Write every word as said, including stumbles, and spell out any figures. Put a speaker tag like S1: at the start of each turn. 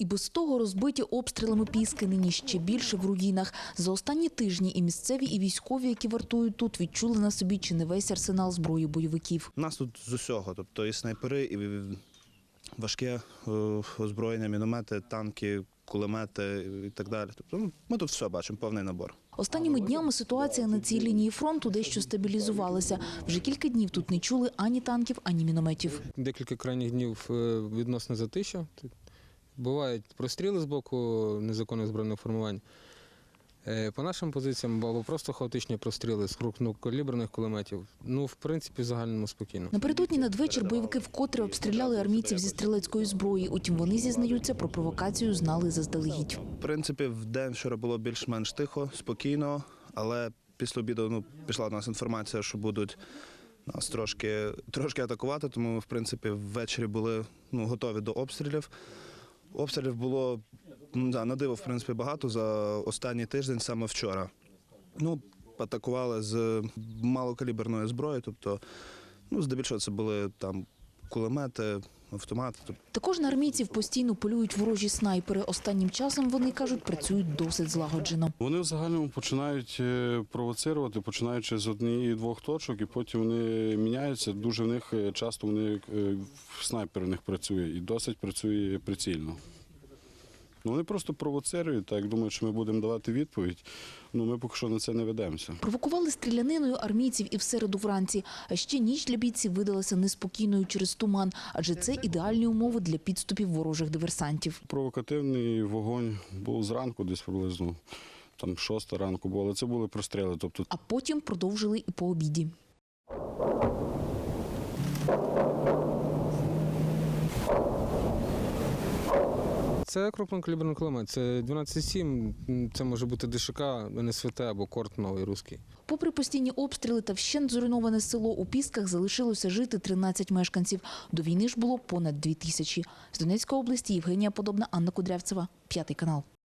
S1: І без того розбиті обстрілами Піски нині ще більше в руїнах. За останні тижні і місцеві, і військові, які вартують тут, відчули на собі чи не весь арсенал зброї бойовиків.
S2: У нас тут з усього, тобто і снайпери, і важке озброєння, міномети, танки, кулемети і так далі. Тобто ми тут все бачимо, повний набор.
S1: Останніми днями ситуація на цій лінії фронту дещо стабілізувалася. Вже кілька днів тут не чули ані танків, ані мінометів.
S3: Декілька крайніх днів відносно затища. Бувають простріли з боку незаконних збройних формувань. По нашим позиціям або просто хаотичні простріли з крупнокаліберних кулеметів. Ну, в принципі, в загальному спокійно.
S1: Напередодні надвечір бойовики вкотре обстріляли армійців зі стрілецької зброї. Утім, вони зізнаються, про провокацію знали заздалегідь.
S2: В принципі, в день вчора було більш-менш тихо, спокійно, але після обіду ну, пішла до нас інформація, що будуть нас трошки, трошки атакувати, тому ми, в принципі, ввечері були ну, готові до обстрілів. Обстрілів було, да, на диво, в принципі, багато за останній тиждень, саме вчора. Ну, атакували з малокаліберної зброї, тобто, ну, здебільшого це були там кулемети, автомати.
S1: Також на армійців постійно полюють ворожі снайпери. Останнім часом, вони кажуть, працюють досить злагоджено.
S4: Вони в загальному починають провоцирувати, починаючи з однієї-двох точок, і потім вони міняються. Дуже в них часто вони снайпер в них працює і досить працює прицільно. Ну, вони просто провоцирують, так, думають, що ми будемо давати відповідь. Ну, ми поки що на це не ведемося.
S1: Провокували стріляниною армійців і в середу вранці. А ще ніч для бійців видалася неспокійною через туман, адже це ідеальні умови для підступів ворожих диверсантів.
S4: Провокативний вогонь був зранку, десь приблизно, там шоста ранку було, але це були простріли. Тобто...
S1: А потім продовжили і по обіді.
S3: Це крупнокаліберний кулемет, це дванадцять сім, це може бути ДШК, ен ес ве те або Корт новий руський.
S1: Попри постійні обстріли та вщент зруйноване село, у Пісках залишилося жити тринадцять мешканців. До війни ж було понад дві тисячі. З Донецької області Євгенія Подобна, Анна Кудрявцева, П'ятий канал.